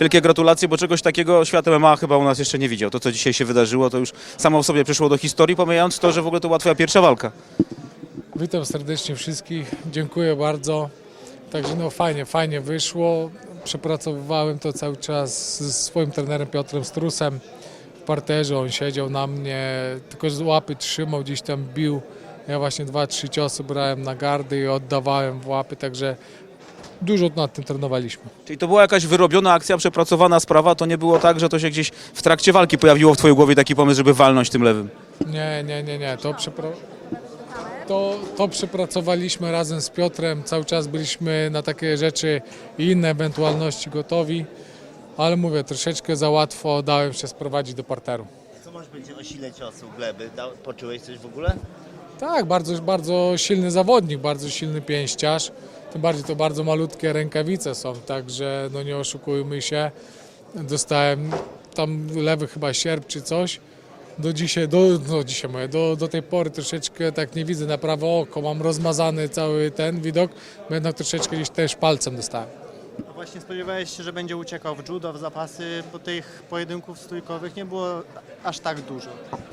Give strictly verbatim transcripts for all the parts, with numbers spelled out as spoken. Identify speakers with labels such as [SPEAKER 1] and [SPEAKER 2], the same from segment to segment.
[SPEAKER 1] wielkie gratulacje, bo czegoś takiego świat M M A chyba u nas jeszcze nie widział. To, co dzisiaj się wydarzyło, to już samo w sobie przyszło do historii, pomijając to, że w ogóle to była twoja pierwsza walka.
[SPEAKER 2] Witam serdecznie wszystkich, dziękuję bardzo. Także no fajnie, fajnie wyszło. Przepracowywałem to cały czas ze swoim trenerem Piotrem Strusem w parterze. On siedział na mnie, tylko z łapy trzymał, gdzieś tam bił. Ja właśnie dwa, trzy ciosy brałem na gardy i oddawałem w łapy, także dużo nad tym trenowaliśmy.
[SPEAKER 1] Czyli to była jakaś wyrobiona akcja, przepracowana sprawa, to nie było tak, że to się gdzieś w trakcie walki pojawiło w twojej głowie taki pomysł, żeby walnąć tym lewym.
[SPEAKER 2] Nie, nie, nie, nie. To, przepra to, to przepracowaliśmy razem z Piotrem. Cały czas byliśmy na takie rzeczy i inne ewentualności gotowi, ale mówię, troszeczkę za łatwo dałem się sprowadzić do parteru.
[SPEAKER 3] Co możesz powiedzieć o sile ciosu gleby? Da- Poczułeś coś w ogóle?
[SPEAKER 2] Tak, bardzo, bardzo silny zawodnik, bardzo silny pięściarz. Tym bardziej to bardzo malutkie rękawice są, także no nie oszukujmy się. Dostałem tam lewy chyba sierp czy coś. Do dzisiaj, do, no dzisiaj mówię, do, do tej pory troszeczkę tak nie widzę na prawe oko, mam rozmazany cały ten widok, bo jednak troszeczkę gdzieś też palcem dostałem.
[SPEAKER 4] A właśnie spodziewałeś się, że będzie uciekał w judo, w zapasy, bo tych pojedynków stójkowych nie było aż tak dużo.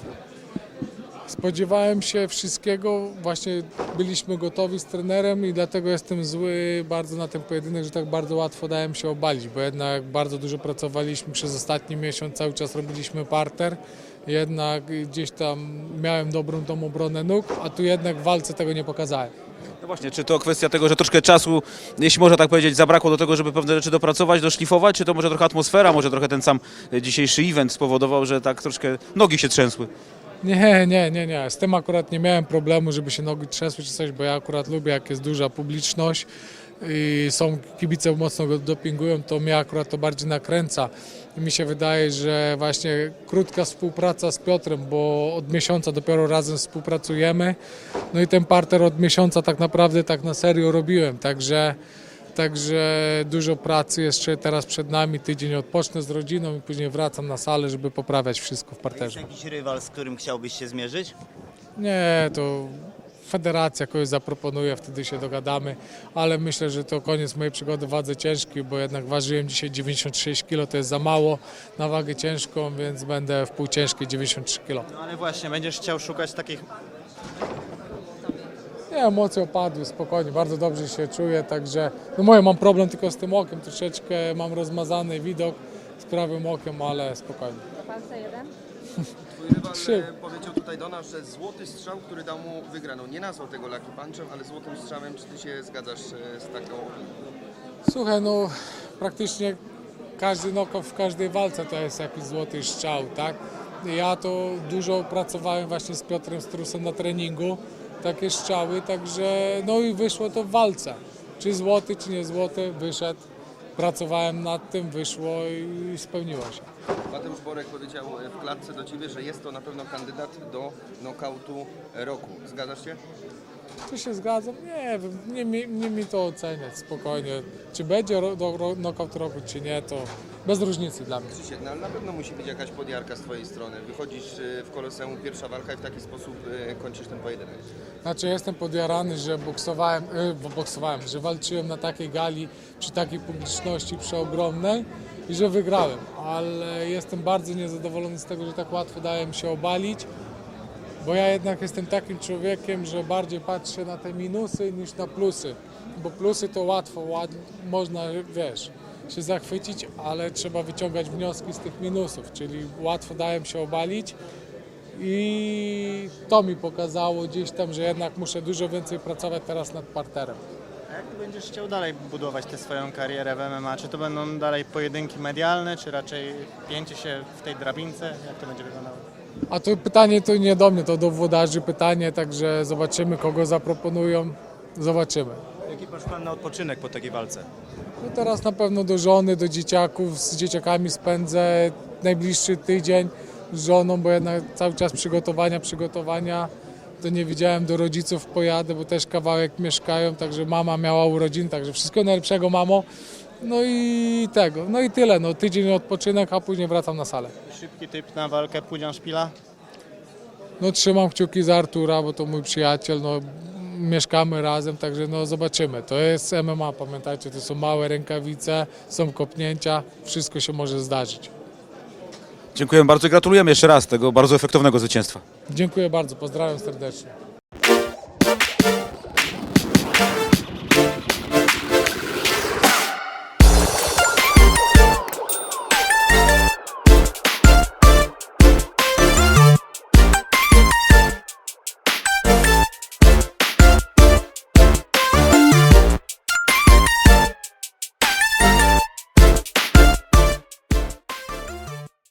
[SPEAKER 2] Spodziewałem się wszystkiego, właśnie byliśmy gotowi z trenerem i dlatego jestem zły bardzo na ten pojedynek, że tak bardzo łatwo dałem się obalić, bo jednak bardzo dużo pracowaliśmy przez ostatni miesiąc, cały czas robiliśmy parter, jednak gdzieś tam miałem dobrą tą obronę nóg, a tu jednak w walce tego nie pokazałem.
[SPEAKER 1] No właśnie, czy to kwestia tego, że troszkę czasu, jeśli można tak powiedzieć, zabrakło do tego, żeby pewne rzeczy dopracować, doszlifować, czy to może trochę atmosfera, może trochę ten sam dzisiejszy event spowodował, że tak troszkę nogi się trzęsły?
[SPEAKER 2] Nie, nie, nie, nie. Z tym akurat nie miałem problemu, żeby się nogi trzęsły czy coś, bo ja akurat lubię, jak jest duża publiczność i są kibice mocno go dopingują, to mnie akurat to bardziej nakręca. I mi się wydaje, że właśnie krótka współpraca z Piotrem, bo od miesiąca dopiero razem współpracujemy. No i ten parter od miesiąca tak naprawdę tak na serio robiłem, także Także dużo pracy jeszcze teraz przed nami, tydzień odpocznę z rodziną i później wracam na salę, żeby poprawiać wszystko w
[SPEAKER 3] Jest
[SPEAKER 2] parterze.
[SPEAKER 3] jakiś rywal, z którym chciałbyś się zmierzyć?
[SPEAKER 2] Nie, to federacja kogoś zaproponuje, wtedy się dogadamy, ale myślę, że to koniec mojej przygody w wadze ciężkiej, bo jednak ważyłem dzisiaj dziewięćdziesiąt sześć kilo, to jest za mało na wagę ciężką, więc będę w półciężkiej dziewięćdziesiąt trzy kilo.
[SPEAKER 4] No ale właśnie, będziesz chciał szukać takich...
[SPEAKER 2] Nie, emocje opadły, spokojnie, bardzo dobrze się czuję, także no moje mam problem tylko z tym okiem, troszeczkę mam rozmazany widok z prawym okiem, ale spokojnie.
[SPEAKER 5] Palce jeden.
[SPEAKER 6] Twój rywal
[SPEAKER 2] Trzy.
[SPEAKER 6] e, powiedział tutaj do nas, że złoty strzał, który dał mu wygraną. Nie nazwał tego Lucky Punchem, ale złotym strzałem. Czy ty się zgadzasz e, z taką opinią?
[SPEAKER 2] Słuchaj, no praktycznie każdy knockout w każdej walce to jest jakiś złoty strzał, tak? Ja to dużo pracowałem właśnie z Piotrem Strusem na treningu, takie strzały, także no i wyszło to w walce. Czy złoty, czy nie złoty, wyszedł, pracowałem nad tym, wyszło i spełniło się.
[SPEAKER 6] Mateusz Borek powiedział e, w klatce do ciebie, że jest to na pewno kandydat do knockoutu roku. Zgadzasz się?
[SPEAKER 2] Czy się zgadzam? Nie wiem, nie, mi- nie mi to oceniać, spokojnie. Czy będzie ro, do, ro, knockout roku, czy nie, to bez różnicy dla mnie.
[SPEAKER 6] Krzysiek, no, ale na pewno musi być jakaś podjarka z twojej strony. Wychodzisz e, w Koloseum, pierwsza walka i w taki sposób e, kończysz ten pojedynek.
[SPEAKER 2] Znaczy jestem podjarany, że boksowałem, yy, bo boksowałem, że walczyłem na takiej gali, przy takiej publiczności przeogromnej i że wygrałem, ale jestem bardzo niezadowolony z tego, że tak łatwo dałem się obalić, bo ja jednak jestem takim człowiekiem, że bardziej patrzę na te minusy niż na plusy, bo plusy to łatwo, ład, można, wiesz, się zachwycić, ale trzeba wyciągać wnioski z tych minusów, czyli łatwo dałem się obalić. I to mi pokazało gdzieś tam, że jednak muszę dużo więcej pracować teraz nad parterem.
[SPEAKER 4] A jak ty będziesz chciał dalej budować tę swoją karierę w M M A? Czy to będą dalej pojedynki medialne, czy raczej pięcie się w tej drabince? Jak to będzie wyglądało?
[SPEAKER 2] A to pytanie to nie do mnie, to do włodarzy pytanie, także zobaczymy, kogo zaproponują, zobaczymy.
[SPEAKER 7] Jaki masz plan na odpoczynek po takiej walce?
[SPEAKER 2] No teraz na pewno do żony, do dzieciaków, z dzieciakami spędzę najbliższy tydzień z żoną, bo jednak cały czas przygotowania, przygotowania. To nie widziałem, do rodziców pojadę, bo też kawałek mieszkają, także mama miała urodziny, także wszystkiego najlepszego, mamo. No i tego, no i tyle, no tydzień odpoczynek, a później wracam na salę.
[SPEAKER 4] Szybki typ na walkę Pudzian Szpila?
[SPEAKER 2] No trzymam kciuki za Artura, bo to mój przyjaciel, no mieszkamy razem, także no zobaczymy. To jest M M A, pamiętajcie, to są małe rękawice, są kopnięcia, wszystko się może zdarzyć.
[SPEAKER 1] Dziękuję bardzo i gratulujemy jeszcze raz tego bardzo efektownego zwycięstwa.
[SPEAKER 2] Dziękuję bardzo, pozdrawiam serdecznie.